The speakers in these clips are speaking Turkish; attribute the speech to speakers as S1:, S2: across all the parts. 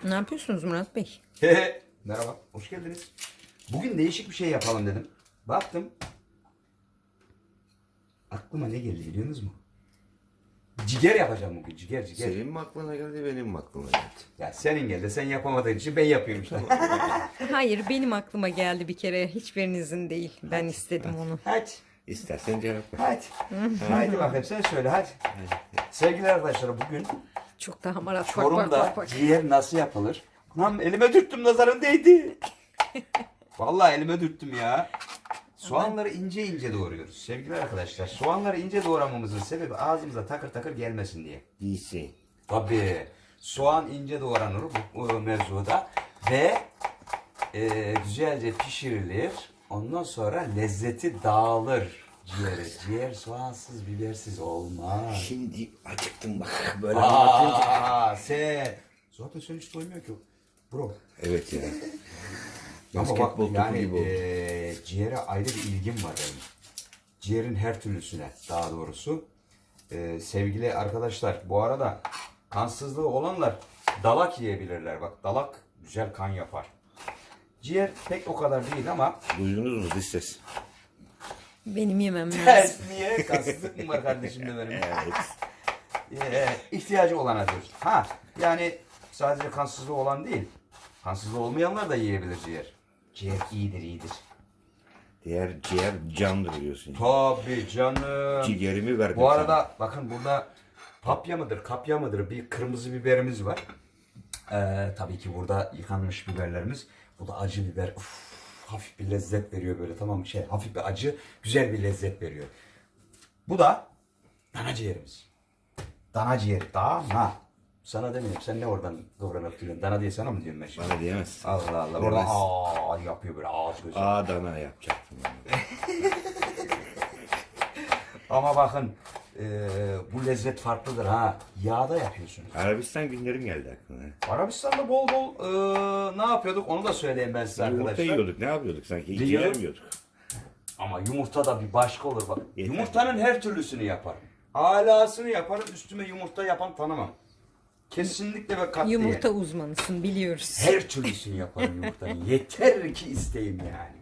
S1: Ne yapıyorsunuz Murat Bey?
S2: Merhaba, hoş geldiniz. Bugün değişik bir şey yapalım dedim. Baktım. Aklıma ne geldi biliyor musunuz mu? Ciger yapacağım bugün, ciger.
S3: Senin mi aklına geldi, benim mi aklıma geldi?
S2: Ya senin geldi, sen yapamadığın için ben yapıyorum işte.
S1: Hayır, benim aklıma geldi bir kere. Hiçbirinizin değil. Ben istedim onu.
S2: Hadi,
S3: İstersen cevap ver.
S2: hadi. Haydi bakayım sen söyle hadi. Sevgili arkadaşlar bugün
S1: Çok daha marat. Bak
S2: Çorum'da
S1: bak.
S2: ciğer nasıl yapılır? Lan elime dürttüm, nazarım değdi. Vallahi elime dürttüm ya. Soğanları ince ince doğruyoruz sevgili arkadaşlar. Soğanları ince doğramamızın sebebi ağzımıza takır takır gelmesin diye.
S3: İyisi.
S2: Tabii soğan ince doğranır bu mevzuda ve güzelce pişirilir. Ondan sonra lezzeti dağılır ciğeri. Ciğer soğansız bibersiz olmaz.
S3: Şimdi acıktım bak böyle anlatınca.
S2: Sen. Zaten sen hiç doymuyor ki. Bro.
S3: Evet ya.
S2: Ama bak
S3: Basketbol topu
S2: yani
S3: gibi oldu.
S2: ciğere ayrı bir ilgim var benim. Ciğerin her türlüsüne daha doğrusu. Sevgili arkadaşlar bu arada kansızlığı olanlar dalak yiyebilirler. Bak dalak güzel kan yapar. Ciğer pek o kadar değil ama
S3: Duydunuz mu dış ses?
S1: Benim yemem lazım.
S2: ters niye? Kansızlık mı var kardeşim de benim?
S3: Evet.
S2: İhtiyacı olana diyoruz. Ha yani sadece kansızlığı olan değil. Kansızlığı olmayanlar da yiyebilir ciğer. Ciğer iyidir.
S3: Diğer ciğer candır diyorsun.
S2: Tabii canım.
S3: Ciğerimi verdim
S2: Bu arada bakın burada papya mıdır, kapya mıdır bir kırmızı biberimiz var. Tabii ki burada yıkanmış biberlerimiz. Bu da acı biber. Uf, hafif bir lezzet veriyor böyle tamam mı? Hafif bir acı, güzel bir lezzet veriyor. Bu da dana ciğerimiz. Dana ciğeri. Dana. Sana demiyorum. Sen ne oradan kıvranıp duruyorsun? Dana diye sana mı diyorum ben şimdi?
S3: Bana diyemezsin.
S2: Allah Allah.
S3: Demez.
S2: Orada yapıyor böyle ağız gözü.
S3: Adana yapacaktım ben.
S2: Ama bakın bu lezzet farklıdır ha. Yağda yapıyorsunuz.
S3: Arabistan günlerim geldi aklına.
S2: Arabistan'da bol bol ne yapıyorduk onu da söyleyeyim ben size
S3: Yumurta
S2: arkadaşlar.
S3: yiyorduk, ne yapıyorduk sanki?
S2: Yiyor.
S3: Ciğer mi yiyorduk?
S2: Ama yumurta da bir başka olur bak.
S3: Yeter.
S2: Yumurtanın her türlüsünü yaparım. Alasını yaparım, üstüme yumurta yapan tanımam. Kesinlikle ve katiyen.
S1: Yumurta uzmanısın biliyoruz.
S2: Her türlüsünü yaparım yumurtanın. Yeter ki isteyim yani.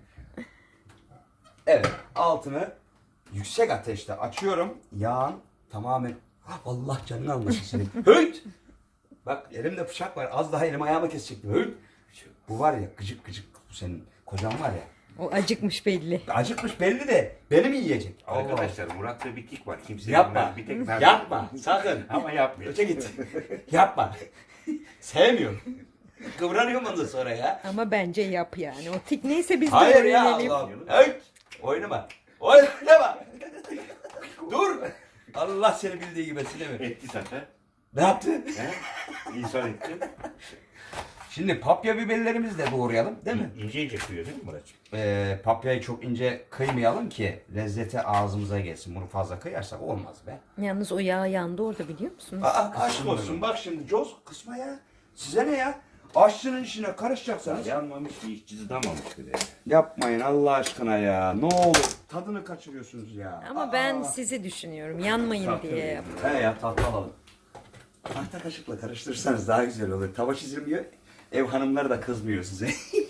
S2: Evet, altını yüksek ateşte açıyorum. Yağın tamamen... Allah canını almasın senin. Höyt! Bak elimde bıçak var. Az daha elim ayağıma kesecektim. Höyt! Bu var ya gıcık gıcık. Bu senin kocan var ya.
S1: O acıkmış belli.
S2: Acıkmış belli de beni mi yiyecek?
S3: Arkadaşlar Murat'ta bir tik var. Kimse
S2: Yapma.
S3: bilmez. Bir tek ben.
S2: Yapma. Sakın.
S3: Ama yapmıyor.
S2: Öte git. Yapma. Sevmiyorum. Kıvranıyorum ondan sonra ya.
S1: Ama bence yap yani. O tik neyse biz de
S2: Hayır ya
S1: öğrenelim.
S2: Allah'ım. Höyt! Oynama. Oynama. Dur. Allah seni bildiği gibi sileme.
S3: Etti zaten.
S2: Ne yaptı?
S3: He? İnsan etti.
S2: Şimdi papya biberlerimizi de doğrayalım değil mi?
S3: İnce ince kıyıyor değil mi Murat'cığım?
S2: Papyayı çok ince kıymayalım ki lezzeti ağzımıza gelsin. Bunu fazla kıyarsak olmaz be.
S1: Yalnız o yağ yandı orada biliyor musunuz?
S2: Aşk olsun bak şimdi coz kısma ya. Size ne ya? Aşçının işine karışacaksanız.
S3: Yanmamış bir iş cızlamamış bir de.
S2: Yapmayın Allah aşkına ya. Ne olur. Tadını kaçırıyorsunuz ya.
S1: Ama ben sizi düşünüyorum. Yanmayın diye yap.
S2: He ya tatlı alalım. Tahta kaşıkla karıştırırsanız daha güzel olur. Tava çizilmiyor. Ev hanımları da kızmıyor size.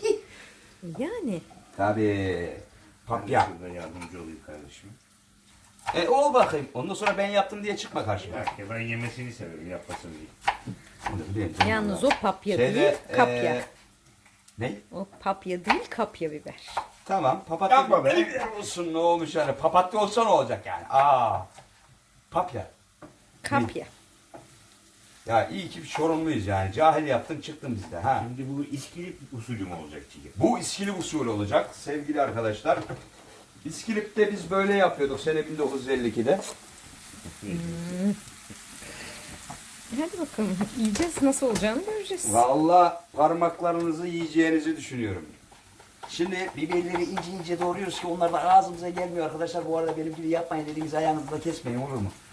S1: Yani.
S2: Tabii. Papya.
S3: Şurada yardımcı olayım kardeşim.
S2: Ol bakayım. Ondan sonra ben yaptım diye çıkma karşıma.
S3: Ya ben yemesini severim, yapmasını değil.
S2: Bunu biliyorum.
S1: Yalnız o papya
S2: Şeyde,
S1: değil, kapya.
S2: Ne?
S1: O papya değil, kapya biber.
S2: Tamam. Papatya
S3: Yapma be.
S2: biber olsun ne olmuş yani. Papatya olsa ne olacak yani? Papya.
S1: Kapya.
S2: Ya iyi ki bir Çorumluyuz yani. Cahil yaptın çıktın bizde ha.
S3: Şimdi bu İskilip usulü mü olacak ciğer?
S2: Bu İskilip usulü olacak sevgili arkadaşlar. İskilip'te biz böyle yapıyorduk sene 1952'de.
S1: Hadi bakalım. Yiyeceğiz. Nasıl olacağını göreceğiz.
S2: Vallahi parmaklarınızı yiyeceğinizi düşünüyorum. Şimdi biberleri ince ince doğruyoruz ki onlar da ağzımıza gelmiyor arkadaşlar. Bu arada benim gibi yapmayın dediğiniz ayağınızı da kesmeyin olur mu?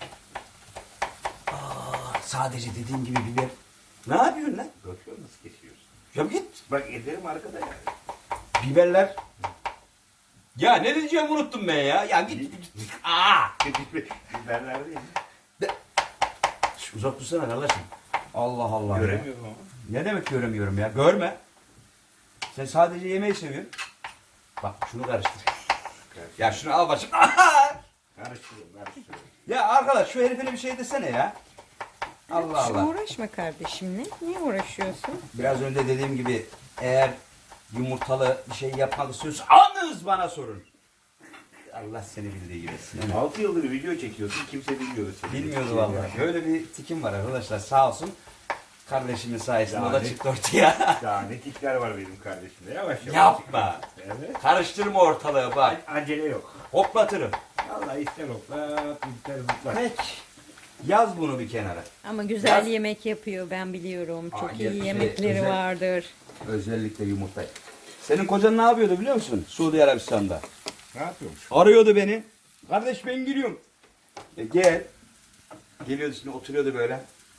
S2: Sadece dediğim gibi biber. Ne yapıyorsun lan?
S3: Bakıyor nasıl kesiyorsun?
S2: Ya git.
S3: Bak ederim arkada yani.
S2: Biberler. Ya ne diyeceğimi unuttum ben ya. Ya git.
S3: Biberler değil mi?
S2: Uzak dursana kardeşim. Allah Allah ya.
S3: Göremiyorum ama.
S2: Ne demek göremiyorum ya? Görme. Sen sadece yemeği seviyorsun. Bak şunu karıştır. Ya şunu al başım.
S3: Karıştırıyorum.
S2: Ya arkadaş şu herifine bir şey desene ya. Allah
S1: Şu
S2: Allah.
S1: uğraşma kardeşimle. Niye uğraşıyorsun?
S2: Biraz önce dediğim gibi eğer yumurtalı bir şey yapmak istiyorsan anınız bana sorun. Allah seni bildiği gibi etsin.
S3: 6 yıldır video çekiyorsun. Kimse bilmiyordu seni.
S2: Bilmiyordu vallahi. Böyle bir tikim var arkadaşlar sağ olsun. Kardeşimin sayesinde o da
S3: Yani-
S2: çıktı ortaya.
S3: Daha ne tikler var benim kardeşimde. Yavaş yavaş.
S2: Yapma.
S3: Evet.
S2: Karıştırma ortalığı bak.
S3: Acele yok.
S2: Hoplatırım.
S3: Vallahi ister hoplat, ister zıplat.
S2: Peki. Yaz bunu bir kenara.
S1: Ama güzel
S2: Yaz.
S1: yemek yapıyor ben biliyorum. Çok
S2: Aa,
S1: iyi
S2: şey,
S1: yemekleri
S2: özel-
S1: vardır.
S2: Özellikle yumurta. Senin kocan ne yapıyordu biliyor musun? Suudi Arabistan'da.
S3: Ne yapıyormuş?
S2: Arıyordu beni. Kardeş ben giriyorum. Gel. Geliyordu şimdi oturuyordu böyle.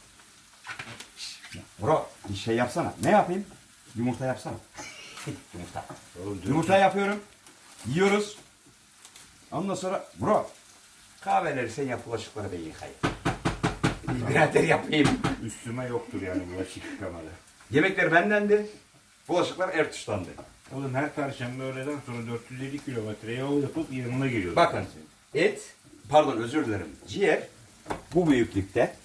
S2: Bro bir şey yapsana. Ne yapayım? Yumurta yapsana. Yumurta.
S3: Oğlum,
S2: Yumurta yapıyorum. Yiyoruz. Ondan sonra bro kahveleri sen yap bulaşıkları ben yıkayayım. Birader yapayım.
S3: Üstüme yoktur yani bulaşık yıkamalı.
S2: Yemekler bendendi. Bulaşıklar Ertuş'tandı.
S3: Oğlum her perşembe öğleden sonra 450 kilometre yol yapıp yanına geliyordu.
S2: Bakın et, pardon özür dilerim. Ciğer bu büyüklükte.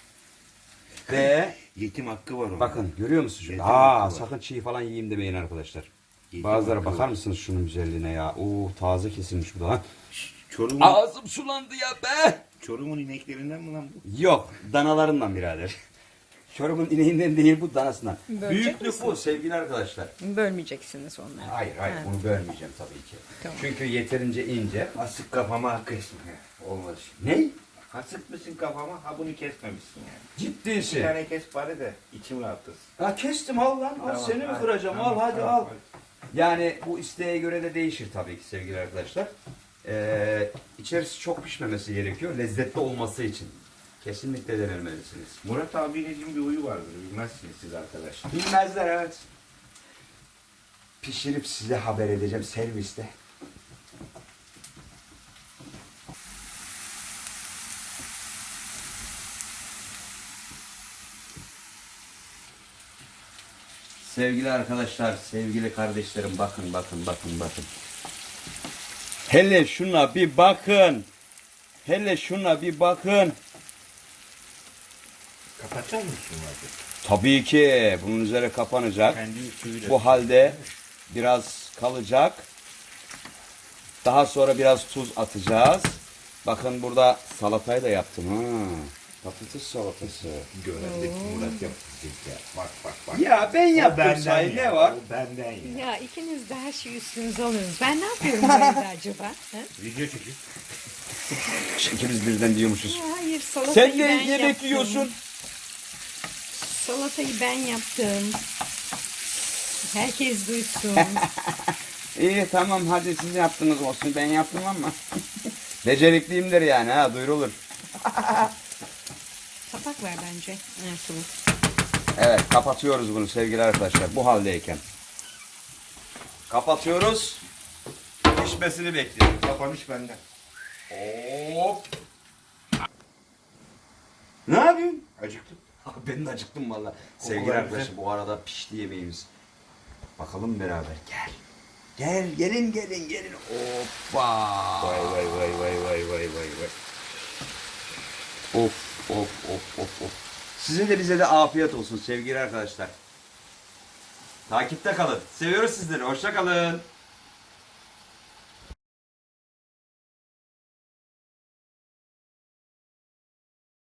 S2: Ve
S3: Yetim hakkı var onun.
S2: bakın görüyor musunuz? Şunu?
S3: Yetim hakkı var.
S2: Sakın çiğ falan yiyeyim demeyin arkadaşlar.
S3: Yetim
S2: Bazıları
S3: hakkı
S2: bakar
S3: var.
S2: mısınız şunun güzelliğine ya? Oo taze kesilmiş bu da. Ha?
S3: Çorum'un,
S2: Ağzım sulandı ya be.
S3: Çorum'un ineklerinden mi lan bu?
S2: Yok danalarından birader. Çorum'un ineğinden değil bu danasından.
S1: Bölecek
S2: Büyüklük
S1: misin?
S2: bu sevgili arkadaşlar.
S1: Bölmeyeceksiniz onları.
S2: Hayır
S1: Ha.
S2: bunu bölmeyeceğim tabii ki.
S1: Tamam.
S2: Çünkü yeterince ince.
S3: Asık kafama kesme. Olmadı şimdi.
S2: Ne?
S3: Hasık mısın kafama? Ha bunu kesmemişsin yani. Bir
S2: Ciddisi.
S3: tane kes bari de içim rahatlasın.
S2: Ha kestim al lan. Al
S3: Tamam,
S2: seni mi
S3: hadi,
S2: kıracağım?
S3: tamam,
S2: al hadi
S3: tamam,
S2: al.
S3: hadi.
S2: Yani bu isteğe göre de değişir tabii ki sevgili arkadaşlar. İçerisi çok pişmemesi gerekiyor. Lezzetli olması için. Kesinlikle denemelisiniz.
S3: Murat abinizin bir huyu vardır. Bilmezsiniz siz arkadaşlar.
S2: Bilmezler evet. Pişirip size haber edeceğim serviste. Sevgili arkadaşlar, sevgili kardeşlerim bakın. Hele şuna bir bakın. Hele şuna bir bakın.
S3: Kapatacak mısın Murat'ı?
S2: Tabii ki bunun üzeri kapanacak.
S3: Kendi suyuyla.
S2: Bu halde biraz kalacak. Daha sonra biraz tuz atacağız. Bakın burada salatayı da yaptım ha. Patates salatası.
S3: Görendeki Murat yapacak ya. Bak.
S2: Ya ben
S3: O
S2: yaptım
S3: benden
S2: sahi
S3: ya,
S2: ne var?
S3: o benden ya.
S1: Ya ikiniz de her şeyi üstünüze alıyorsunuz. Ben ne yapıyorum bu evde acaba? Ha?
S3: Video çekip.
S2: İkimiz birden diyormuşuz.
S1: Ya hayır salatayı
S2: Sen de
S1: ben
S2: yemek
S1: yaptım.
S2: yiyorsun.
S1: Salatayı ben yaptım. Herkes duysun.
S2: İyi tamam hadi siz yaptınız olsun ben yaptım ama. Becerikliyimdir yani ha duyurulur.
S1: Kapak ver bence. Ertuğrul.
S2: Evet kapatıyoruz bunu sevgili arkadaşlar bu haldeyken. Kapatıyoruz. Pişmesini bekliyoruz.
S3: Kapanış benden.
S2: Hop. Ne yapıyorsun?
S3: Acıktım.
S2: Ben de acıktım valla.
S3: Kokular
S2: Sevgili
S3: güzel.
S2: arkadaşlar bu arada pişti yemeğimiz. Bakalım beraber. Gel. Gelin. Hoppa.
S3: Vay.
S2: Of. Sizin de bize de afiyet olsun sevgili arkadaşlar. Takipte kalın. Seviyoruz sizleri. Hoşça kalın.